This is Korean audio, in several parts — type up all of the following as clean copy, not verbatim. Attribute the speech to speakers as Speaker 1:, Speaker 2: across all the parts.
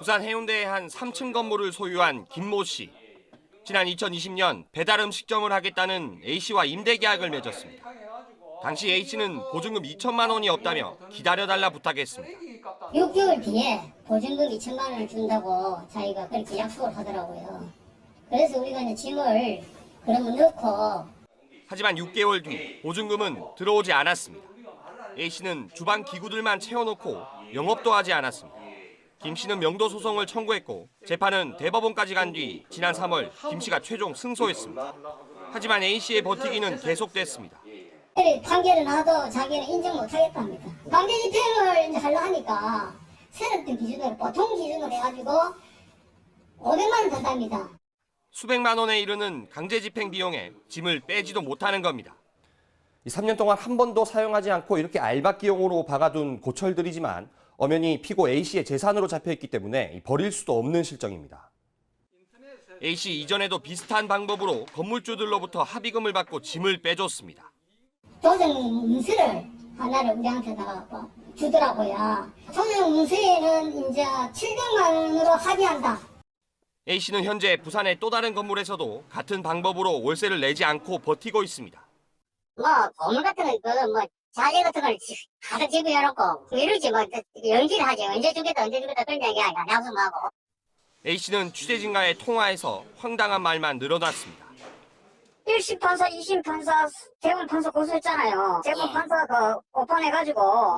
Speaker 1: 부산 해운대의 한 3층 건물을 소유한 김모 씨. 지난 2020년 배달 음식점을 하겠다는 A씨와 임대 계약을 맺었습니다. 당시 A씨는 보증금 2천만 원이 없다며 기다려달라 부탁했습니다.
Speaker 2: 6개월 뒤에 보증금 2천만 원을 준다고 자기가 그렇게 약속을 하더라고요. 그래서 우리가 이제 짐을 그러면 넣고.
Speaker 1: 하지만 6개월 뒤 보증금은 들어오지 않았습니다. A씨는 주방 기구들만 채워놓고 영업도 하지 않았습니다. 김씨는 명도 소송을 청구했고 재판은 대법원까지 간 뒤 지난 3월 김씨가 최종 승소했습니다. 하지만 A씨의 버티기는 계속됐습니다.
Speaker 2: 판결을 나도 자기는 인정 못하겠답니다. 강제 집행을 이제 하려 하니까 세력들 기준으로 보통 기준으로 해가지고 500만 원 든답니다.
Speaker 1: 수백만 원에 이르는 강제 집행 비용에 짐을 빼지도 못하는 겁니다. 3년 동안 한 번도 사용하지 않고 이렇게 알박기용으로 박아둔 고철들이지만 엄연히 피고 A씨의 재산으로 잡혀있기 때문에 버릴 수도 없는 실정입니다. A씨 이전에도 비슷한 방법으로 건물주들로부터 합의금을 받고 짐을 빼줬습니다.
Speaker 2: 조정 문서를 하나를 우리한테다가 주더라고요. 조정 문서에는 이제 700만 원으로 합의한다.
Speaker 1: A씨는 현재 부산의 또 다른 건물에서도 같은 방법으로 월세를 내지 않고 버티고 있습니다.
Speaker 2: 건물 같은 거, 자재 같은 걸 가득 집어놓고 이러지 연기를 하지. 언제 주겠다 그런 얘기 아니야. 약속하고.
Speaker 1: A씨는 취재진과의 통화에서 황당한 말만 늘어났습니다.
Speaker 2: 1심 판사, 2심 판사, 대법원 판사 고소했잖아요. 대법원 판사 오판해가지고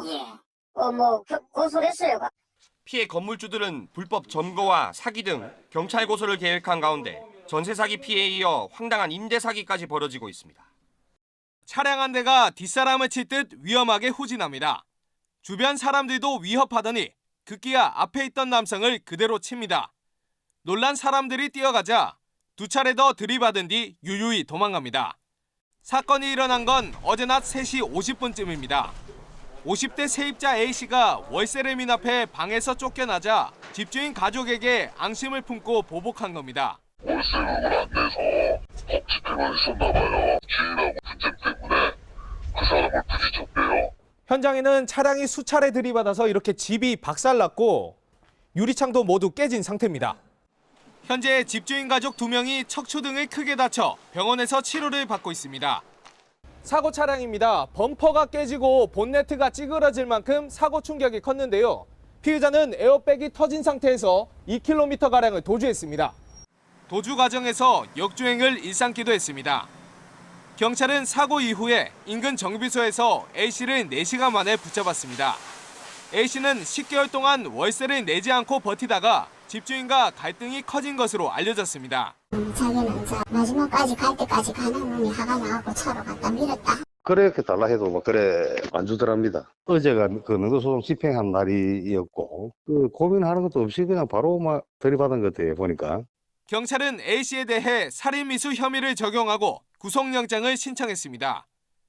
Speaker 2: 고소를 했어요.
Speaker 1: 피해 건물주들은 불법 점거와 사기 등 경찰 고소를 계획한 가운데 전세 사기 피해에 이어 황당한 임대 사기까지 벌어지고 있습니다.
Speaker 3: 차량 한 대가 뒷사람을 칠 듯 위험하게 후진합니다. 주변 사람들도 위협하더니 급기야 앞에 있던 남성을 그대로 칩니다. 놀란 사람들이 뛰어가자 두 차례 더 들이받은 뒤 유유히 도망갑니다. 사건이 일어난 건 어제 낮 3시 50분쯤입니다. 50대 세입자 A씨가 월세를 미납해 방에서 쫓겨나자 집주인 가족에게 앙심을 품고 보복한 겁니다.
Speaker 4: 월세금을 안 내서 법 집행을 했었나 봐요. 주인하고 분쟁 때문에 그 사람을 부딪혔대요.
Speaker 3: 현장에는 차량이 수차례 들이받아서 이렇게 집이 박살났고 유리창도 모두 깨진 상태입니다. 현재 집주인 가족 2명이 척추 등을 크게 다쳐 병원에서 치료를 받고 있습니다. 사고 차량입니다. 범퍼가 깨지고 본네트가 찌그러질 만큼 사고 충격이 컸는데요. 피의자는 에어백이 터진 상태에서 2km가량을 도주했습니다. 도주 과정에서 역주행을 일삼기도 했습니다. 경찰은 사고 이후에 인근 정비소에서 A씨를 4시간 만에 붙잡았습니다. A씨는 10개월 동안 월세를 내지 않고 버티다가 집주인과 갈등이 커진 것으로 알려졌습니다.
Speaker 2: 자기는 마지막까지 갈 때까지 가는 놈이 화가 나고 차로 갖다 밀었다.
Speaker 5: 그렇게 달라 해도 그래 안 주더랍니다. 어제가 그 능도소송 집행한 날이었고 고민하는 것도 없이 그냥 바로 들이받은 것 같아요 보니까.
Speaker 3: 경찰은 A씨에 대해 살인미수 혐의를 적용하고 구속영장을 신청했습니다.